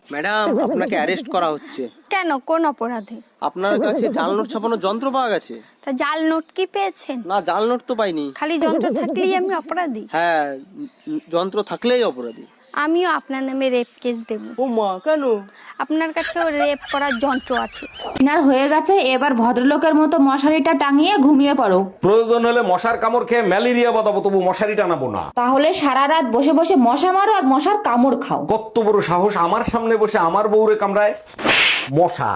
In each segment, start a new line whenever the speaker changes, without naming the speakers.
Madam, আপনাকে arrest করা হচ্ছে।
কেন, কোন অপরাধে?
আপনার কাছে জাল নোট ছাপানোর যন্ত্র পাওয়া গেছে।
তা জাল নোট কি পেয়েছেন?
না, জাল নোট তো পাইনি।
খালি যন্ত্র থাকলেই আমি অপরাধী?
হ্যাঁ, যন্ত্র থাকলেই অপরাধী।
আমিও আপনার নামে রেপ কেস দেব।
ও মা, কেন?
আপনার কাছেও রেপ করার যন্ত্র আছে।
ডিনার হয়ে গেছে, এবার ভদ্রলোকের মতো মশারিটা টাঙিয়ে ঘুমিয়ে পড়ো।
প্রয়োজন হলে মশার কামড় খেয়ে ম্যালেরিয়া বাঁধাবো, তবু মশারি টানাবো না।
তাহলে সারা রাত বসে বসে মশা মারো আর মশার কামড় খাও।
কত বড় সাহস আমার সামনে বসে আমার বউরে কামড়ায় মশা।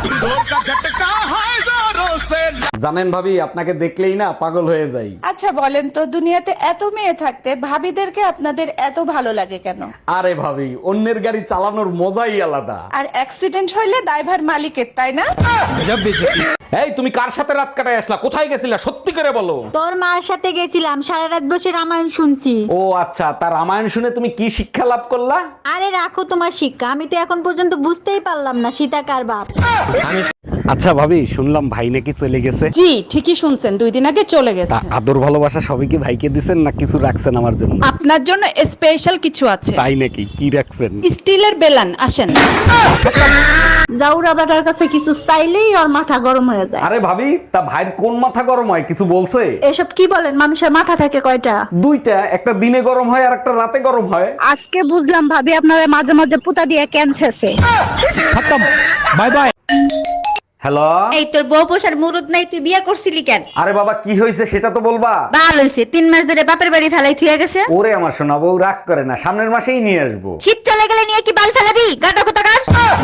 জানেন ভাবি, আপনাকে দেখলেই না পাগল হয়ে যাই।
আচ্ছা বলেন তো, দুনিয়াতে এত মেয়ে থাকতে ভাবিদেরকে আপনাদের এত ভালো লাগে কেন?
আরে ভাবি, অন্যের গাড়ি চালানোর মজাই আলাদা।
আর অ্যাক্সিডেন্ট হইলে দায়ভার মালিকের, তাই না?
এই তুমি কার সাথে রাত কাটায় আসলা? কোথায় গেছিলা সত্যি করে বলো।
তোর মার সাথে গেছিলাম, সারা রাত বসে রামায়ণ শুনছি।
ও আচ্ছা, তার রামায়ণ শুনে তুমি কি শিক্ষা লাভ করলা?
আরে রাখো তোমার শিক্ষা, আমি তো এখন পর্যন্ত বুঝতেই পারলাম না সীতা কার বাপ।
আচ্ছা ভাবি, শুনলাম ভাই নাকি চলে গেছে।
জি ঠিকই শুনছেন, 2 দিন আগে চলে গেছে।
আদর ভালোবাসা সবই কি ভাইকে দিছেন না কিছু রাখছেন আমার জন্য?
আপনার জন্য স্পেশাল কিছু আছে।
তাই নাকি? কি রাখছেন?
স্টিলের বেলান, আসেন।
জাউরা বেটার কাছে কিছু চাইলেই ওর মাথা গরম হয়ে যায়।
আরে ভাবি, তা ভাইয়ের কোন মাথা গরম হয় কিছু বলছে?
এসব কি বলেন, মানুষের মাথা থাকে কয়টা?
দুইটা, একটা দিনে গরম হয় আর একটা রাতে গরম হয়।
আজকে বুঝলাম ভাবি আপনারা মাঝে মাঝে পুতা দিয়ে ক্যান্সারছে।
Bye bye. হ্যালো।
এই তোর বউ পোষার মুরুদ নাই, তুই বিয়ে করছিলি কেন?
আরে বাবা, কি হয়েছে সেটা তো বলবা।
বাল হইছে, 3 মাস ধরে বাপের বাড়ি ফেলাই থুয়ে গেছে।
ওরে আমার সোনা বউ, রাগ করে না, সামনের মাসেই নিয়ে আসবো।
শীত চলে গেলে নিয়ে কি বাল ফেলাবি? গাদা কোথাকার।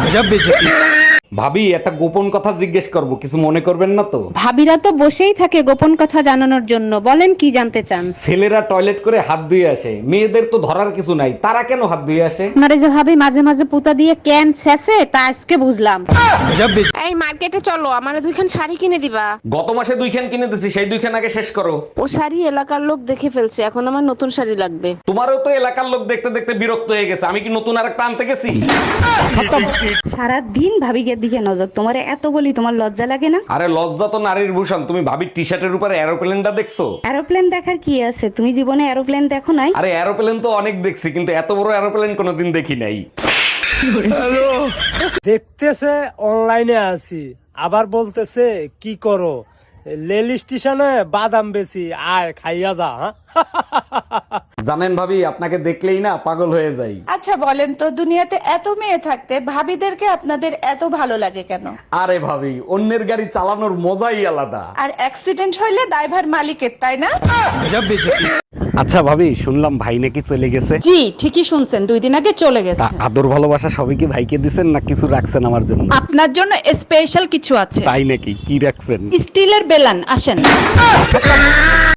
ভাবি, একটা গোপন কথা জিজ্ঞেস করব, কিছু মনে করবেন না তো?
ভাবিরা তো বসেই থাকে গোপন কথা জানানোর জন্য, বলেন কি জানতে চান?
ছেলেরা টয়লেট করে হাত ধুয়ে আসে, মেয়েদের তো ধরার কিছু নাই, তারা কেন হাত ধুয়ে আসে?
আপনারে যে ভাবি মাঝে মাঝে পুতা দিয়ে ক্যান ছেঁচে, তা আজকে বুঝলাম। এই মার্কেটে চলো, আমারে 2খান শাড়ি কিনে দিবা।
গত মাসে 2খান কিনে দিছি, সেই 2খান আগে শেষ করো।
ও শাড়ি এলাকার লোক দেখে ফেলছে, এখন আমার নতুন শাড়ি লাগবে।
তোমারও তো এলাকার লোক দেখতে দেখতে বিরক্ত হয়ে গেছে, আমি কি নতুন আরেকটা আনতে গেছি?
সারা দিন ভাবিকে দিকে নজর, তোমারে এত বলি তোমার লজ্জা লাগে না?
আরে লজ্জা তো নারীর ভূষণ। তুমি ভাবির টি শার্টের উপরে এরোপ্লেনটা দেখছো?
এরোপ্লেন দেখার কি আছে, তুমি জীবনে এরোপ্লেন দেখো নাই?
আরে এরোপ্লেন তো অনেক দেখছি, কিন্তু এত বড় এরোপ্লেন কোনোদিন দেখি নাই।
দেখতেছে অনলাইনে আছি, আবার বলতেছে কি করো, রেল স্টেশনে বাদাম বেশি, আয় খাইয়া যা।
জানেন ভাবি, আপনাকে দেখলেই না পাগল হয়ে যাই।
আচ্ছা বলেন তো, দুনিয়াতে এত মেয়ে থাকতে ভাবিদেরকে আপনাদের এত ভালো লাগে কেন?
আরে ভাবি, অন্যের গাড়ি চালানোর মজাই আলাদা।
আর অ্যাক্সিডেন্ট হইলে দায়ভার মালিকের, তাই না?
আচ্ছা ভাবি, শুনলাম ভাই নাকি চলে গেছে।
জি ঠিকই শুনছেন, 2 দিন আগে চলে গেছে।
আদর ভালোবাসা সবই কি ভাইকে দিছেন না কিছু রাখছেন আমার জন্য?
আপনার জন্য স্পেশাল কিছু আছে।
তাই নাকি? কি রাখছেন?
স্টিলের বেলান, আসেন।